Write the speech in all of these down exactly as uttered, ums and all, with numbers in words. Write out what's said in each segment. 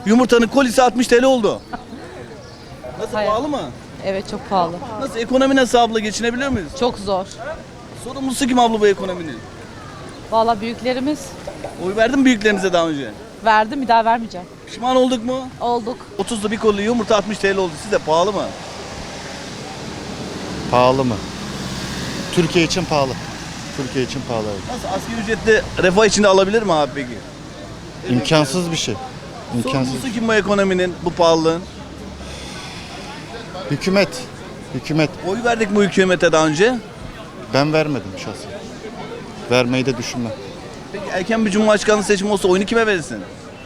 Yumurtanın kolisi altmış T L oldu. Nasıl, Hayır. pahalı mı? Evet, çok pahalı. Nasıl, ekonomi nasıl abla, geçinebiliyor muyuz? Çok zor. Sorumlusu kim abla bu ekonominin? Vallahi büyüklerimiz Oy verdin mi büyüklerinize daha önce? verdi, bir daha vermeyeceğim. Pişman olduk mu? Olduk. otuzda bir kolu yumurta altmış T L oldu. Size pahalı mı? Pahalı mı? Türkiye için pahalı. Türkiye için pahalı. Evet. Nasıl, asgari ücretli refah içinde alabilir mi abi peki? İmkansız bir şey. İmkansız. Sorumlusu kim bu ekonominin, bu pahalılığın? Hükümet. Hükümet. Oy verdik mi hükümete daha önce? Ben vermedim şahsen. Vermeyi de düşünmem. Peki erken bir cumhurbaşkanlığı seçimi olsa oyunu kime verirsin?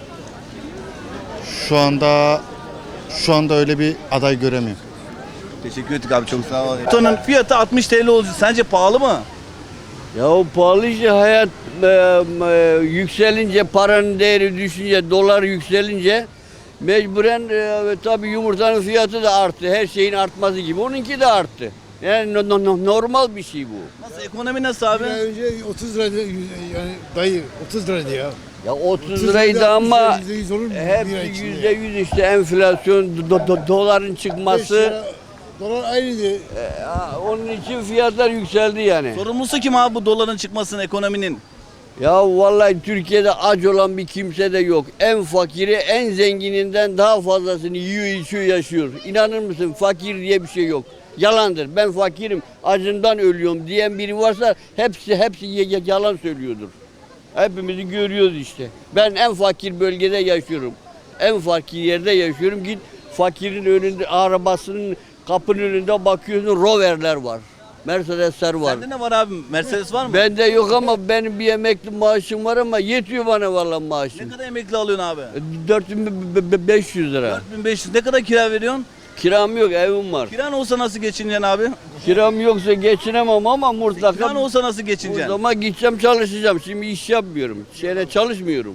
Şu anda şu anda öyle bir aday göremiyorum. Teşekkür ettik abi, çok sağ ol. Yumurtanın fiyatı altmış T L oldu. Sence pahalı mı? Ya o pahalı işte hayat e, e, yükselince, paranın değeri düşünce, dolar yükselince mecburen e, tabii yumurtanın fiyatı da arttı. Her şeyin artması gibi. Onunki de arttı. Yani no, no, no- normal bir şey bu. Nasıl, ekonomi nasıl abi? Bir ay önce otuz liraydı yani dayı otuz liraydı ya. Ya otuz otuz liraydı liraydı, ama yüzde yüz olur mu? Bir hepsi ay içinde yüzde ya. yüz işte enflasyon, do- do- doların beş çıkması. lira, dolar aynıydı. E, ha, onun için fiyatlar yükseldi yani. Sorumlusu kim abi bu doların çıkmasının, ekonominin? Ya vallahi Türkiye'de aç olan bir kimse de yok. En fakiri en zengininden daha fazlasını yiyor, içiyor, yaşıyor. İnanır mısın, fakir diye bir şey yok. Yalandır. Ben fakirim, acından ölüyorum diyen biri varsa hepsi hepsi y- y- yalan söylüyordur. Hepimizi görüyoruz işte. Ben en fakir bölgede yaşıyorum. En fakir yerde yaşıyorum. Git fakirin önünde, arabasının kapının önünde bakıyorsun, Rover'ler var. Mercedes'ler var. Sende ne var abi? Mercedes var mı? Bende yok ama benim bir emekli maaşım var ama yetiyor bana vallahi Ne maaşım. kadar emekli alıyorsun abi? dört bin beş yüz lira. dört bin beş yüz. Ne kadar kira veriyorsun? Kiram yok, evim var. Kiran olsa nasıl geçineceksin abi? Kiram yoksa geçinemem ama mutlaka Kiran olsa nasıl o geçineceksin? zaman gideceğim çalışacağım. Şimdi iş yapmıyorum. Şeyle çalışmıyorum.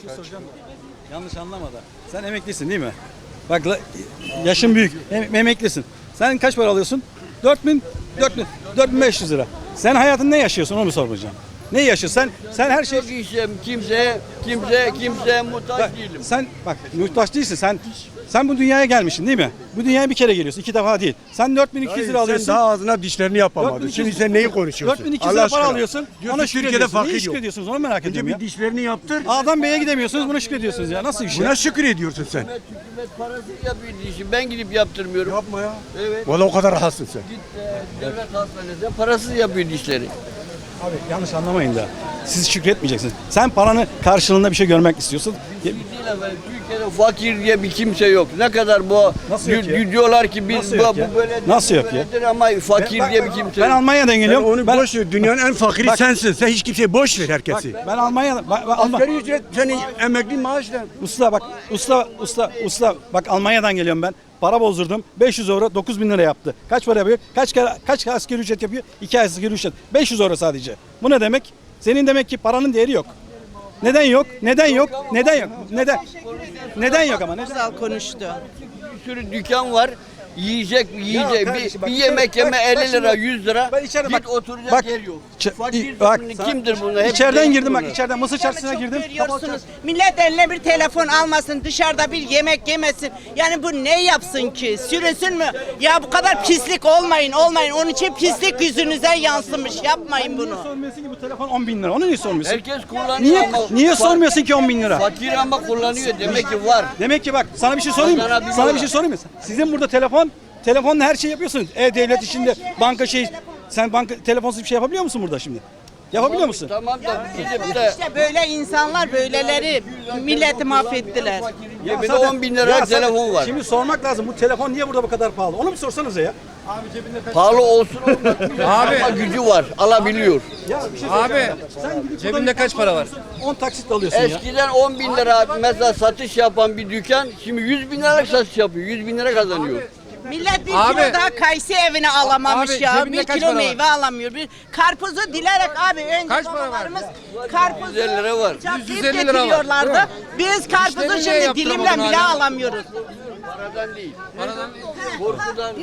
Yanlış anlama da. Sen emeklisin değil mi? Bak la- yaşın büyük. Em- emeklisin. Sen kaç para alıyorsun? dört bin, dört bin, dört bin beş yüz lira. Sen hayatın ne yaşıyorsun onu mu soracağım? Ne yaşıyorsun? Sen sen her şey Çok işim kimseye, kimseye, kimseye muhtaç bak, değilim. sen bak muhtaç değilsin. Sen sen bu dünyaya gelmişsin değil mi? Bu dünyaya bir kere geliyorsun. iki defa değil. Sen dört bin iki yüz lira alıyorsun. Sen daha ağzına dişlerini yapamadın. Şimdi sen neyi konuşuyorsun? dört bin iki yüz lira para alıyorsun. Diyorsun Ona Türkiye'de şükrediyorsun. fakir Niye yok. şükrediyorsunuz? Onu merak Önce ediyorum ya. bir dişlerini yaptır. A'dan B'ye gidemiyorsunuz. Buna şükrediyorsunuz ya. Nasıl bir şey? Buna şükür ediyorsun sen. Hükümet, hükümet parası yapıyor işi. Ben gidip yaptırmıyorum. Yapma ya. Evet. Valla o kadar rahatsın sen. Git e, devlet hastanesine parasız yapıyor dişleri. Abi yanlış anlamayın da. Siz şükretmeyeceksiniz. Sen paranı karşılığında bir şey görmek istiyorsun. Bir şey değil efendim. Türkiye'de fakir diye bir kimse yok. Ne kadar bu Nasıl yok di- ya? diyorlar ki biz Nasıl bu, yok ya? bu böyle Nasıl yok ya? böyledir ama fakir Ben- diye bir kimse Ben yok. Almanya'dan Sen geliyorum. onu ben, boş ver. Dünyanın en fakiri Bak- sensin. Sen hiç kimseye boş ver bak, herkesi. ben Almanya'da ben, ben Alman- Asgari ücret senin emekli maaşla. usta bak usta usta usta bak Almanya'dan geliyorum ben. Para bozdurdum. beş yüz euro dokuz bin lira yaptı. Kaç para yapıyor? Kaç kere kaç asgari ücret yapıyor? iki ay asgari ücret. beş yüz euro sadece. Bu ne demek? Senin demek ki paranın değeri yok. Neden yok? Neden yok? Neden yok? Neden? Neden yok ama? Neden? Güzel konuştu. Bir sürü dükkan var. Yiyecek, yiyecek. kardeşim bir, bak, bir yemek bak, yeme bak elli lira, şimdi- yüz lira. Ben içeride Git bak- oturacak bak- yer yok. Ç- Fakir bak, kimdir bunlar? Hep İçeriden değil girdim bak, bunlar. içeriden mısır çarşısına Çok girdim. görüyorsunuz. Millet eline bir telefon almasın, dışarıda bir yemek yemesin. Yani bu ne yapsın ki? Sürünsün mü? Ya bu kadar pislik olmayın, olmayın. Onun için pislik yüzünüze yansımış. Yapmayın Niye bunu. sormuyorsun ki bu telefon on bin lira? Onu niye sormuyorsun? Herkes kullanıyor Niye, ama niye fa- sormuyorsun ki on bin lira? Fakir ama kullanıyor. Demek ki var. Demek ki bak sana bir şey sorayım mı? Kazanabiliyorlar. Sana bir şey sorayım mı? Sizin burada telefon, telefonla her şeyi yapıyorsunuz. E-Devlet içinde banka şey, sen banka telefonsuz bir şey yapabiliyor musun burada şimdi? Yapabiliyor musun? Tamam da gidip de İşte böyle insanlar böyleleri milleti mahvettiler. cebinde Zaten- on bin lira Ya sen- telefon var. Şimdi sormak lazım. Bu telefon niye burada bu kadar pahalı? Onu bir sorsanıza ya. Pahalı olsun olmasın. Abi. Ama gücü var. Alabiliyor. Ya bir şey Abi, söyleyeceğim ya. Sen gidip cebinde buradan kaç para var? on taksit alıyorsun ya. Eskiden on bin lira mesela satış yapan bir dükkan şimdi yüz bin liralık satış yapıyor. yüz bin lira kazanıyor. Millet bir Abi- kilo daha kayısı evine alamamış Abi, ya. cebinde Bir kaç kilo para var? meyve alamıyor. Bir karpuzu dilerek abi önce Kaç para var? babalarımız karpuzu yüz elli lira var. bıçaklayıp yüz elli lira var, getiriyorlardı. değil mi? Biz karpuzu İşlerini niye şimdi yaptıramadın dilimle bile hala? alamıyoruz. Paradan değil. Paradan Korkudan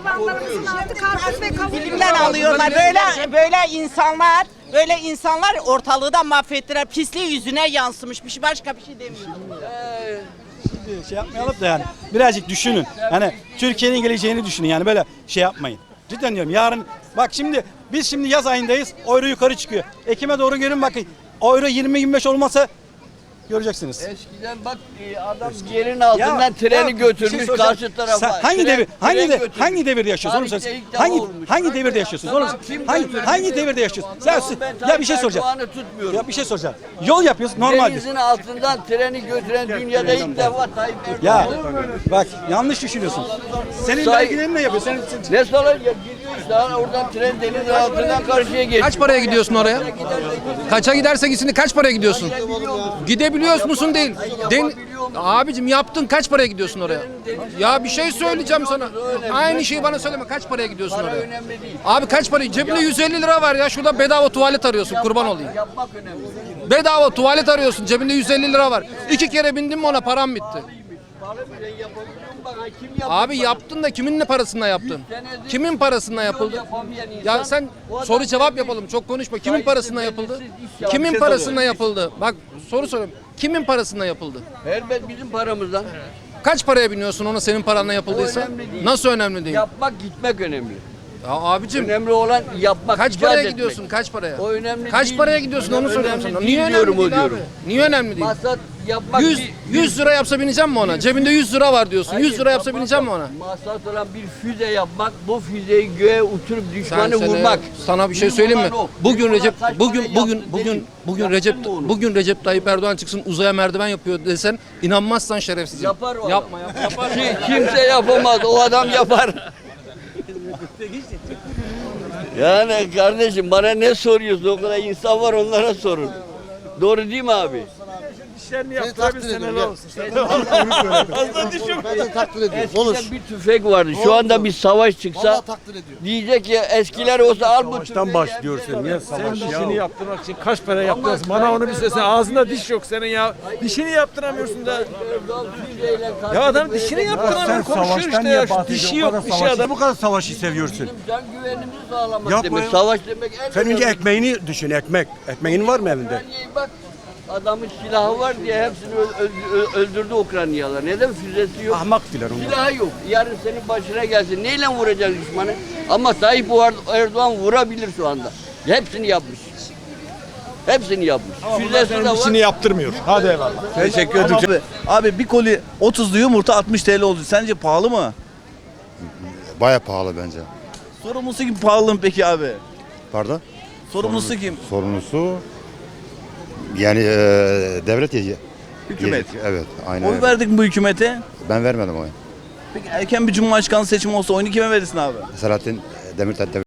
korkuyoruz. Dilimden alıyorlar. Böyle böyle insanlar böyle insanlar ortalığı da mahvettiler. Pisliği yüzüne yansımış. Bir şey- Başka bir şey demiyorum. şey yapmayalım da yani birazcık düşünün. Yani Türkiye'nin geleceğini düşünün yani böyle şey yapmayın. Cidden diyorum yarın bak şimdi biz şimdi yaz ayındayız. Euro yukarı çıkıyor. Ekim'e doğru görün bakın. Euro yirmi yirmi beş olmasa göreceksiniz. Eskiden bak e, adam yerin altından Ya, treni ya, bir götürmüş şey soracağım. karşı tarafa. Sen hangi Tren- devir hangi tren de, götürmüş. hangi devirde yaşıyorsun onu Tarihte söyle. ilk defa Hangi olmuş. hangi devirde yaşıyorsunuz onu Tamam, kim hangi götürdü? hangi devirde yaşıyorsun? Sen Tamam, ben ya bir Tayyip şey soracağım. Erdoğan'ı tutmuyorum. Ya bir şey soracağım. Yol yapıyoruz normal. Denizin altından treni götüren dünyada ilk defa Tayyip Ya Erdoğan. bak yanlış düşünüyorsun. Senin Say- vergilerin ne yapıyor? Senin, senin- Ne salak ya gidiyor işte ha, oradan tren denizin altından karşıya geçiyor. Kaç paraya gidiyorsun oraya? Kaça giderse gitsin kaç paraya gidiyorsun? Gidebiliyor musun değil? Den Abicim yaptın kaç paraya gidiyorsun oraya? Ya bir şey söyleyeceğim sana. Aynı şeyi bana söyleme. Kaç paraya gidiyorsun oraya? Önemli değil. Abi kaç paraya? Cebinde yüz elli lira var ya. Şurada bedava tuvalet arıyorsun. Kurban olayım. Yapmak önemli. Bedava tuvalet arıyorsun. Cebinde yüz elli lira var. İki kere bindim mi ona param bitti. Abi yaptın da kimin ne parasına yaptın? Kimin parasına yapıldı? Ya sen soru cevap yapalım. Çok konuşma. Kimin parasına yapıldı? Kimin parasına yapıldı? Bak soru soruyorum. Kimin parasına yapıldı? Elbet bizim paramızdan. Kaç paraya biniyorsun ona senin paranla yapıldıysa? önemli değil. Nasıl önemli değil? Yapmak gitmek önemli. Ya abicim Önemli olan yapmak. kaç icat paraya etmek. gidiyorsun? Kaç paraya? O önemli Kaç değil. paraya gidiyorsun onu soruyorum Önemli sana. değil Niye diyorum, önemli o değil abi? diyorum. Niye önemli değil? Maksat yapmak yüz, değil. yüz lira yapsa bineceğim mi ona? Cebinde yüz lira var diyorsun. Hayır, yüz lira yapsa yapmak bineceğim mi yok. ona? Maksat olan bir füze yapmak, bu füzeyi göğe uçurup Sen düşmanı sene- vurmak. Sana bir şey Bizim söyleyeyim mi? olan o. Bugün Bizim Recep olan kaç bugün parayı bugün yaptı bugün değil. bugün Yaptın Recep mı onu? bugün Recep Tayyip Erdoğan çıksın uzaya merdiven yapıyor desen inanmazsan şerefsizim. Yapar o Yapma adam. yapma. Yapar. Ki- Kimse yapamaz, o adam yapar. Yani kardeşim bana ne soruyorsun? O kadar insan var, onlara sorun. Doğru değil mi abi? Seni takdir ediyorum. Ben de takdir ediyorum. Olur. Eskiden bir tüfek vardı. Şu anda bir savaş çıksa Vallahi takdir ediyorum. diyecek ya eskiler olsa al bu tüfeği. Savaştan başlıyorsun ya Sen savaş dişini ya. yaptırmak için kaç para yaptırıyorsun? Bana onu bir söylesene. Ağzında diş yok senin ya. Dişini yaptıramıyorsun da. Ya adam dişini yaptıramıyor. Sen Konuşuyor savaştan işte niye ya. Şu bahsediyorsun? dişi Bu yok. kadar Dişi savaşı- adam. Bu kadar savaşı seviyorsun. Can güvenimizi sağlamak Yapma demek. ya. Savaş demek en Sen önce önemli. ekmeğini düşün ekmek. Ekmeğin var mı evinde? Ukrayna'yı bak. Adamın silahı var diye hepsini ö- ö- öldürdü Ukraynalılar. Neden füzesi yok? Ahmak filan onlar. Silahı yok. Yarın senin başına gelsin. Neyle vuracak düşmanı? Ama Tayyip Erdoğan vurabilir şu anda. Hepsini yapmış. Hepsini yapmış. Füzesi de var. Dişini yaptırmıyor. Hadi eyvallah. Teşekkür ederim. Abi, abi bir koli otuzlu yumurta altmış T L oldu. Sence pahalı mı? Baya pahalı bence. Sorumlusu kim pahalı mı peki abi? Pardon? Sorumlusu kim? Sorumlusu yani e, devlet yeci. Hükümet. Evet, aynen Oy öyle. verdik mi bu hükümete? Ben vermedim oy. Peki erken bir cumhurbaşkanı seçimi olsa oyunu kime verirsin abi? Selahattin Demirtaş